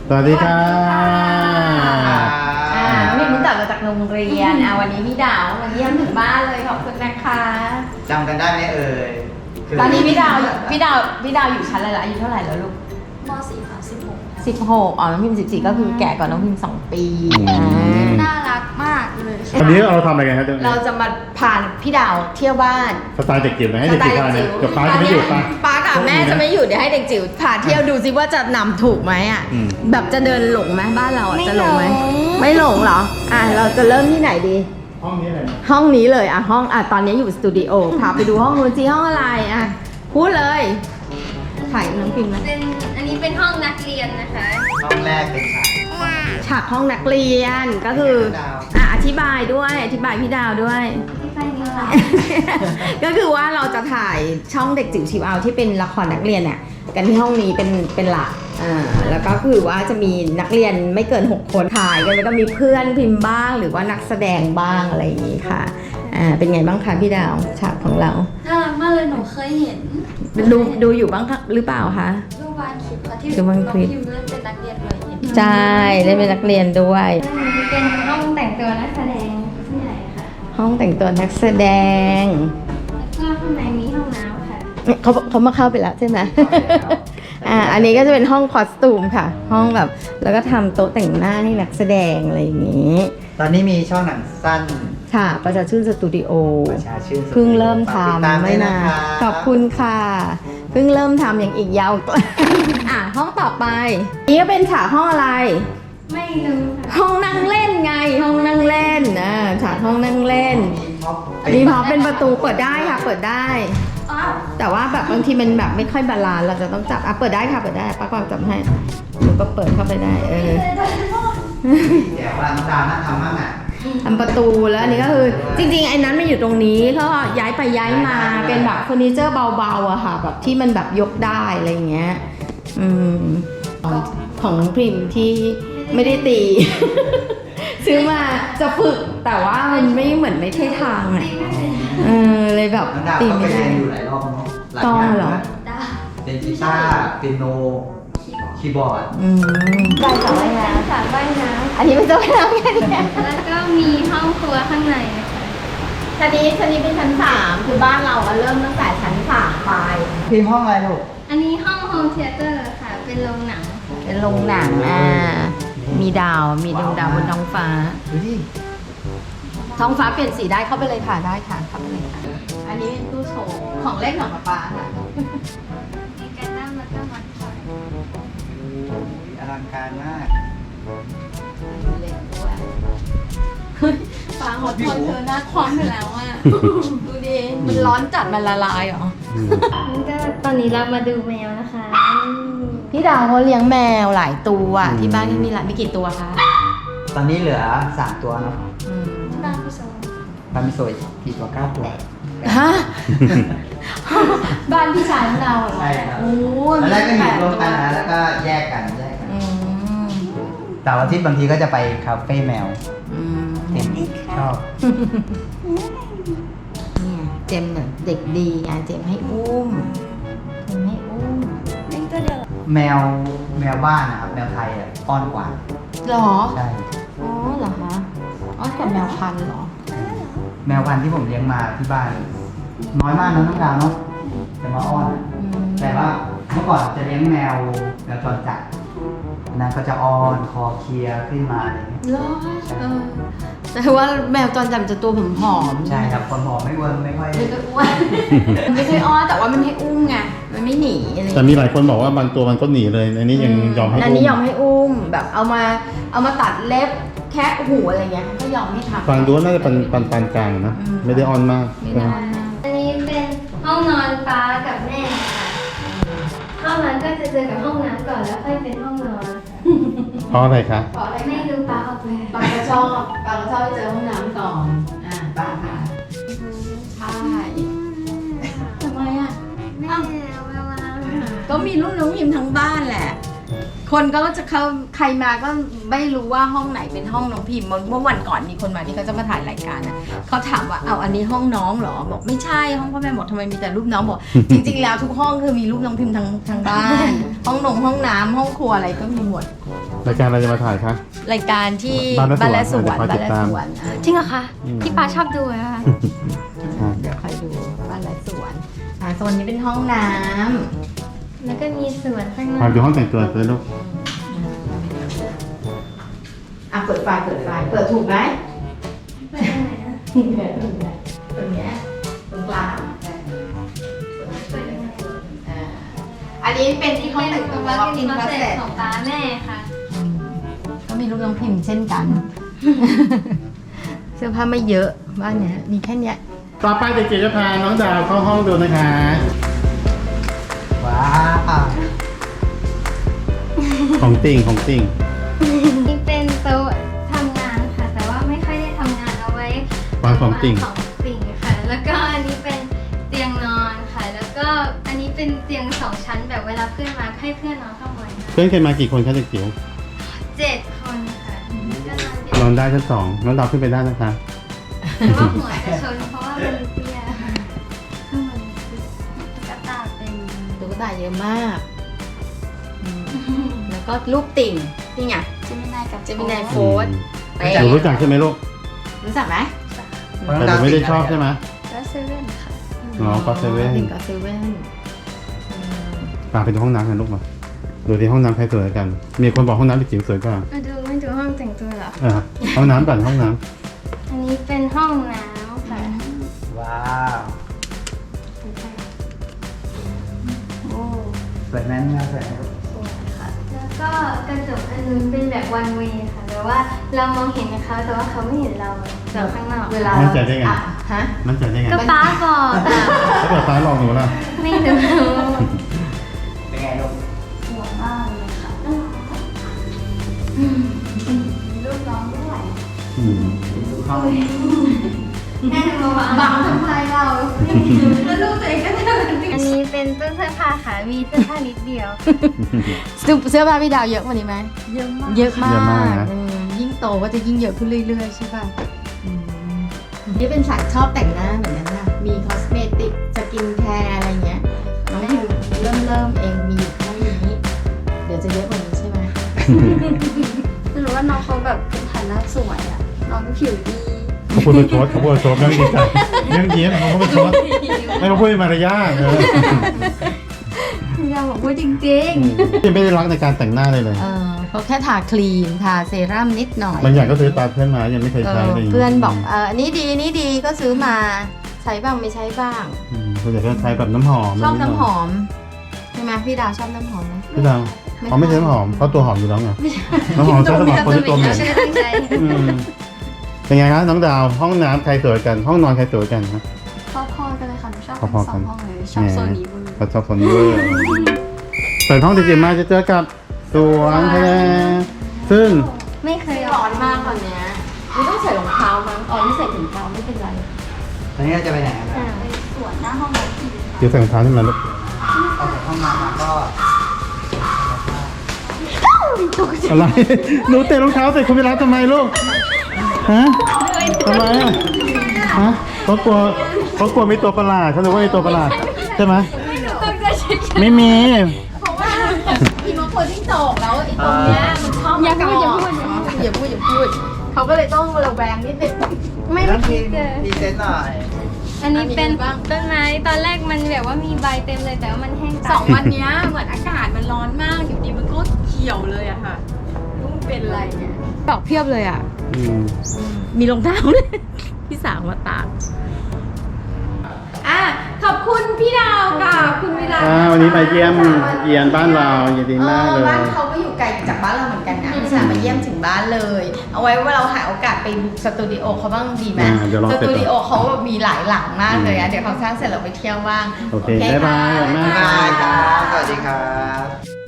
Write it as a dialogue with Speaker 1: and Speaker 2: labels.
Speaker 1: สวัสดีค่ะ
Speaker 2: น้องพิมเพิ่งกลับมาจากโรงเรียนวันนี้พี่ดาวมาเยี่ยมถึงบ้านเลยขอบคุณนะคะ
Speaker 3: จำกันได้ไหมเอ่ย
Speaker 2: ตอนนี้พี่ดาวอยู่ชั้นอะไรละอายุเท่าไหร่แล้วลูก
Speaker 4: ม.4 ค่ะ
Speaker 2: 16น้องพิม14ก็คือแก่กว่าน้องพิม2 ปี
Speaker 4: น่ารักมากเลย
Speaker 1: วันนี้เราทำอะไรกันครับ
Speaker 2: เราจะมาพาพี่ดาวเที่ยวบ้าน
Speaker 1: สไตล์เด็กจิ๋วนะให้เด็กจิ๋วพาเนี่ยกับป้าจะไม่อยู่
Speaker 2: ป้ากับแม่จะไม่อยู่เดี๋ยวให้เด็กจิ๋วพาเที่ยวดูซิว่าจะนำถูกไหมอ่ะแบบจะเดินหลงไหมบ้านเราจะหลงไหมไม่หลงเหรอเราจะเริ่มที่ไหนดี
Speaker 1: ห้องนี้เลย
Speaker 2: ห้องนี้เลยห้องตอนนี้อยู่สตูดิโอพาไปดูห้องนู้นสิห้องอะไรพูดเลยถ่ายน้องพิมพ์นะ
Speaker 4: อันนี้เป็นห้องนักเรียนนะคะ
Speaker 3: ห้องแรกเป็น
Speaker 2: ฉากห้องนักเรียนก็คืออธิบายพี่ดาวด้วยก็คือว่าเราจะถ่ายช่องเด็กจิ๋วชิวเอาที่เป็นละครนักเรียนเนี่ยกันที่ห้องนี้เป็นหลักแล้วก็คือว่าจะมีนักเรียนไม่เกิน6 คนถ่ายกันแล้วก็มีเพื่อนพิมพ์บ้างหรือว่านักแสดงบ้างอะไรอย่างนี้ค่ะเป็นไงบ้างคะพี่ดาวฉากของเรา
Speaker 4: น่ารักมากเลยหนูเคยเห็น
Speaker 2: ดูอยู่บ้างหรือเปล่าคะ
Speaker 4: ดูบางคลิปค่ะที่น้องพิมพ์เล่นเป็นนักเรียนเลย
Speaker 2: ใช่เล่นเป็นนักเรียนด้วย
Speaker 4: เป็นห้องแต่งตัวนักแสดงที่ไหนคะ
Speaker 2: ห้องแต่งตัวนักแสดง
Speaker 4: แล้วก็ข้างในมีห้องน้ำค่ะ
Speaker 2: เขามาเข้าไปแล้วใช่ไหมอันนี้ก็จะเป็นห้องคอสตูมค่ะห้องแบบแล้วก็ทำโต๊ะแต่งหน้าให้นักแสดงอะไรอย่างนี้
Speaker 3: ตอนนี้มีช่องหนังสั้น
Speaker 2: ค่ะประชาชื่นสตูดิโอ
Speaker 3: เพิ่
Speaker 2: งเริ่มทำไม่นานขอบคุณค่ะเพิ่งเริ่มทำอย่างอีกยาวห้องต่อไปนี่ก็เป็นฉากห้องอะไร
Speaker 4: ไม่รู้
Speaker 2: ห้องนั่งเล่นไงห้องนั่งเล่นฉากห้องนั่งเล่นมีพอเป็นประตูเปิดได้ค่ะเปิดได้แต่ว่าแบบบางทีมันแบบไม่ค่อยบาลานซ์เราจะต้องจับเปิดได้ค่ะเปิดได้ป้ากวางจับให้หนูก็เปิดเข้าไปได้
Speaker 3: เดี๋ยววันจานน่าทำมาก
Speaker 2: ทำประตูแล้วอันนี้ก็คือจริงๆไอ้นั้นมันอยู่ตรงนี้เขาย้ายไปย้ายมาเป็นแบบเฟอร์นิเจอร์เบาๆอะค่ะแบบที่มันแบบยกได้อะไรเงี้ยของน้องพิมที่ไม่ได้ตีซื้อมาจะฝึกแต่ว่ามันไม่เหมือนไม่ใช่ทางอะเลยแบบตีไม่ได้
Speaker 3: อยู่หลายรอบเนาะ
Speaker 2: ต้องเหรอ
Speaker 3: เป็นกีตาร์เปียโนคีย์บอร์ด
Speaker 2: ใส่สระว่ายน้
Speaker 4: ำสระว่ายน้
Speaker 2: ำอันนี้เป็นสระว่ายน้ำแค่นี้
Speaker 4: แล้วก็มีห้องครัวข้างในนะคะ
Speaker 2: ชั้นนี้เป็นชั้น3คือบ้านเราเริ่มตั้งแต่ชั้น3ไป
Speaker 3: พิมพ์ห้องอะไรลูก
Speaker 4: อันนี้ห้องโฮมเธียเตอร์ค่ะเป็นโรงหนัง
Speaker 2: มีดาวมีดวงดาวบนท้องฟ้าท้องฟ้าเปลี่ยนสีได้เข้าไปเลยค่ะได้ค่ะเข้าไปเลยค่ะอันนี้เป็นตู้โชว์ของเล่นของป๊าค่ะ
Speaker 4: มีการนั่งแล้วก็มัดคอย
Speaker 3: อลังการมาก
Speaker 2: เล่นด้วยฟ้าหดทนเธอหน้าคว่ำไปแล้วอ่ะดูดิมันร้อนจัดมันละลายเหรอ
Speaker 4: ก็ตอนนี้เรามาดูแมวนะคะ
Speaker 2: พี่ดาวเขาเลี้ยงแมวหลายตัวที่บ้านนี่มีกี่ตัวคะ
Speaker 3: ตอนนี้เหลือ3 ตัวเนาะ
Speaker 4: บ้าน
Speaker 3: พี่โซยกี่ตัว9 ตัว
Speaker 2: ฮะบ้านพี่ชายของเราเหรอ
Speaker 3: ใช่ครับตอนแรกก็อยู่รวมกันนะแล้วก็แยกกันแต่วันอาทิตย์บางทีก็จะไปคาเฟ่แมวชอบ
Speaker 2: เนี่ยเจมเนี่ยเด็กดีเจมให้อุ้ม
Speaker 3: แมวบ้านนะครับแมวไทยอ้อนกว่า
Speaker 2: หรอ
Speaker 3: ใช่
Speaker 2: เหรอคะอ้อนกับแมวพันธุ์หรอ
Speaker 3: แมวพันธุ์ที่ผมเลี้ยงมาที่บ้านน้อยมากนะน้องดาวเนาะแต่มาอ้อนแต่ว่าเมื่อก่อนจะเลี้ยงแมวจรจัดนั้นก็จะอ้อนคอเคลียร์ขึ้นมาอะไรอย่างเงี้ย
Speaker 2: แต่ว่าแมวจรจัดจะตัวผอม
Speaker 3: ใช่ครับคนผอมไม่เวิร์มไม่ค่อย
Speaker 2: อ้วนไม่ค่อยอ้อนแต่ว่ามันให้อุ้มไงมันไม่หนีอะไร
Speaker 1: แต่มีหลายคนบอกว่าบางตัวมันก็หนีเลยอันนี้ยังยอมให้อุ้ม
Speaker 2: อันนี้ยอมให้อุ้มแบบเอามาตัดเล็บแคะหูอะไรเงี้ยก็ยอมให้ทำ
Speaker 1: ฟังดูน่าจะเป็นปานกลางนะไม่ได้อ้อนมาก
Speaker 4: อันนี้เป็นห้องนอนป้ากับแม่ค่ะห้องนั้นก็จะเจอกับห้องน้ำก่อนแล้วค่อยเป็นห้องนอน
Speaker 1: เพราะอะไรคะ
Speaker 4: เพราะอะไรไม่รู้ป้าออกแบบ
Speaker 2: ป้าก็ชอบไปเจอห้องน้ำก่อนป้าค่ะใช่ทำไมก็มีลูกน้องพิมทั้งบ้านแหละคคนก็จะเข้าใครมาก็ไม่รู้ว่าห้องไหนเป็นห้องน้องพิมพ์เมื่อวันก่อนมีคนมาที่เขาจะมาถ่ายรายการนะเขาถามว่าเอาอันนี้ห้องน้องเหรอบอกไม่ใช่ห้องพ่อแม่บอกทำไมมีแต่รูปน้องบอก จริงๆแล้วทุกห้องคือมีรูปน้องพิมพ์ทั้งบ้าน ห้องห้องน้ำห้องครัวอะไรก็มีหมด
Speaker 1: รายการอะไรจะมาถ่ายคะ
Speaker 2: รายการที่
Speaker 1: บ้านและสวน
Speaker 2: บ้านและ
Speaker 1: เดี๋ยวคอยติดตาม
Speaker 2: สวน
Speaker 4: จริงเหรอคะพี่ปาชอบดูนะคะ
Speaker 2: เดี๋ยวคอยดูบ้านและสวนโซนนี้เป็นห้องน้ำ
Speaker 4: แล้วก็มีสวนข้างนอ
Speaker 1: พาก ดูห้องแต่งตัวเลยลูก
Speaker 2: เปิดไฟเปิดถูกไหม
Speaker 4: ไปทางไหนนะ
Speaker 2: ตรงเนี้ยตรงกลาง
Speaker 4: ไปทางไหน
Speaker 2: อันนี้เป็นที่ห้องแต่งตัว
Speaker 4: แล้วก็
Speaker 2: walk
Speaker 4: มี
Speaker 2: in
Speaker 4: คอนเซ็ป
Speaker 2: closet
Speaker 4: ต์ของป้าแม่ค่ะ
Speaker 2: ก็มีรูปน้องพิมพ์เช่นกัน เสื้อผ้าไม่เยอะบ้านเนี้ยมีแค่เนี้ย
Speaker 1: ต่อไปเด็กจิ๋วจะพาน้องดาวเข้าห้องดูนะคะ
Speaker 3: ว้าว
Speaker 1: ของติ่ง
Speaker 4: นี่เป็นโต๊ะทำงานค่ะ แต่ว่าไม่ค่อยได้ทำงานเอาไว้
Speaker 1: วางของติ่ง
Speaker 4: ของติ่งค่ะ แล้วก็อันนี้เป็นเตียงนอนค่ะ แล้วก็อันนี้เป็นเตียง2 ชั้นแบบเวลาเพื่อนมาให้เพื่อนนอนข้างบนค่ะ
Speaker 1: เพื่อนเคยมากี่คนคะเด็กจิ๋ว
Speaker 4: 7 คนค่ะก็นอนเตียง
Speaker 1: นอนได้ชั้น 2น้องดาวขึ้นไปได้นะคะ
Speaker 4: แต่ว่าหัวจะชนเพราะว่ามันเตี้ยค่ะข้างบนกระตาเต็ม
Speaker 2: ตุ๊กตาเยอะมากแล้วก็รูปติ่งนี่ไง
Speaker 4: เจมินายกับ
Speaker 2: เจมินาย โฟร์ เป๊ะ
Speaker 1: หนูรู้จักใช่ไหมลูก
Speaker 2: รู้จักไหม
Speaker 1: แต่หนูไม่ได้ชอบใช่ไหม
Speaker 4: ก็เซเว่นค่ะ
Speaker 1: อ๋อก็เซเว่น
Speaker 2: ติ่งก็เซเว่น
Speaker 1: พาไปดูห้องน้ำกันลูกมาดูที่ห้องน้ำใครสวยกัน มีคนบอกห้องน้ำเด็กจิ๋วสวยกว่า
Speaker 4: มาดูไม่ดูห้องแต่งตัวเหรอ
Speaker 1: ห้องน้ำก่อนห้องน้
Speaker 4: อันนี้เป็นห้องน้ำค่ะ
Speaker 3: ว้าว
Speaker 4: โอ้
Speaker 3: สวยไหมแมวสวยไหมลูก
Speaker 4: สวยค่ะ แล้วก็กระจกอันนู้นเป็นแบบ one way ค่ะแต่ว่าเรามองเห็นเขาแต่ว่าเขาไม่เห็นเราจากข้างนอก
Speaker 2: เวลา
Speaker 1: ำมั่นใจได้ไง
Speaker 2: ฮะ
Speaker 1: มั่นใจได้ไง
Speaker 4: ก็ป้าบอกอะ
Speaker 1: ถ้าเกิดฟ้าลองหนูล่ะ
Speaker 4: ไม่รู้
Speaker 3: เป็นไงลูก
Speaker 4: สวยมากเลยค่ะรูปน้องด้วย
Speaker 1: อืม
Speaker 3: ดูห้อง
Speaker 4: แม่มาบังทำไมเราแล้วรูปตัวเองก็เดินอันนี้เป็นตู้เสื้อผ้าค่ะมีเสื้อผ้านิดเดียว
Speaker 2: เสื้อผ้าพี่ดาวเยอะกว่านี้ไหม
Speaker 4: เยอะมาก
Speaker 2: เยอะมาก
Speaker 1: เยอะมากนะ
Speaker 2: ยิ่งโตก็จะยิ่งเยอะขึ้นเรื่อยๆใช่ป่ะนี่เป็นสายชอบแต่งหน้าเหมือนกันนะมีคอสเมติกสกินแคร์อะไรเงี้ยน้องพิมเริ่มเองมีอยู่แค่นี้เดี๋ยวจะเยอะกว่านี้ใช่ไหม
Speaker 5: ไม่รู้ว่าน้องเขาแบบเป็นฐานะสวยอะน้องก็ผิวดี
Speaker 1: เขาพูดประชดยังดีใจยังยิ้มเขาพูดประชดให้เขาพูดเป็นมารยาท
Speaker 5: พี่ดาวบอกว่าจริง
Speaker 1: ยังไม่ได้รักในการแต่งหน้าเลย
Speaker 2: เขาแค่ทาครีมทาเซรั่มนิดหน่อย
Speaker 1: บางอย่างก็ซื้อตามเพื่อนมายังไม่เคยใช้เลย
Speaker 2: เพื่อนบอกอันนี้ดีนี่ดีก็ซื้อมาใช้บ้างไม่ใช้บ้าง
Speaker 1: ส่วนใหญ่ก็ใช้แบบน้ำหอม
Speaker 2: ชอบน้ำหอมใช่ไหมพี่ดาวชอบน้ำหอมไหม
Speaker 1: พี่ดาวเขาไม่ใช้น้ำหอมเขาตัวหอมอยู่แล้วไงน้ำหอมใช้สำหรับคนที่ตัวเหม็น
Speaker 4: ชื่อตั้งใจ
Speaker 1: เป็นไงครับน้องดาวห้องน้ำใครสวยกัน ห้องนอนใครสวยกันนะ
Speaker 5: ๆพอๆกันเลยค่ะหนูชอบ
Speaker 1: พอ
Speaker 5: ทั้ง
Speaker 1: ๆ
Speaker 5: ส
Speaker 1: กั
Speaker 5: อน งห้องเลยชอบโซนนี้เวอร์
Speaker 1: เขาชอบคนนี้เวอร์เปิดห้องจริงๆมาจะเจอกับสวนทะเลซึ่ง
Speaker 4: ไม่เคย
Speaker 2: ร้อนมากตอนเนี้ยไม่ต้องใส่รองเท้ามั้งไม่ใส่ถุงเท้าไม่เป็นไร
Speaker 3: ตอนนี้เราจะไปไหนกันนะ
Speaker 5: ไปสวนหน้าห้องน้ำพี่
Speaker 1: เดี๋ยวใส่รองเท้าขึ้นมาลูก
Speaker 3: ออกจากห้องน้ำมาก็
Speaker 1: อะไรหนูเตะรองเท้าใส่คุณไปรับทำไมลูกฮะทำไมอ่ะฮะเขากลัวมีตัวประหลาดเขาคิดว่ามีตัวประหลาดใช่ไหมไม่มี
Speaker 2: เพราะว่าอีโมโคจิ้งจอกแล้วไอ้ตรงเนี้ยมันชอบอย่าพูดเขาก็เลยต้องระแวงนิดนึง
Speaker 4: ไม่
Speaker 3: แล้ว
Speaker 4: คิ
Speaker 3: พี่
Speaker 4: ดเลย
Speaker 3: ดีเซนหน่อย
Speaker 4: อันนี้เป็น
Speaker 2: บ้าง
Speaker 4: ต้นไม้ตอนแรกมันแบบว่ามีใบเต็มเลยแต่ว่ามันแห้ง
Speaker 5: สองวันเนี้ยเหมือนอากาศมันร้อนมากอยู่ดีมันก็เขียวเลยอะค่ะรู้มันเป็นอะไรเนี่ย
Speaker 2: ดอกเพียบเลยอ่ะ มีรองเท้าเลย พี่สาวมาตากขอบคุณพี่ดาวกับคุณวิลา
Speaker 1: วันนี้มาเยี่ยมเยียนบ้านเรายินดีมากเลย
Speaker 2: บ้านเขาก็อยู่ไกลจากบ้านเราเหมือนกันนะพี่สาวมาเยี่ยมถึงบ้านเลย เอาไว้ว่าเราหาโอกาสไปบุกสตูดิโอเขาบ้างดีไหม
Speaker 1: เดี๋ยวลอง
Speaker 2: ส
Speaker 1: เสร็จ
Speaker 2: ตูดิโอเขาแบบมีหลายหลังมากเลยอะเดี๋ยวเขาสร้างเสร็จเราไปเที่ยวบ้าง
Speaker 1: โอเคบ๊ายบาย
Speaker 2: ค่ะ
Speaker 1: ขอบคุณมาก
Speaker 3: บ๊ายบายครับ สวัสดีครับ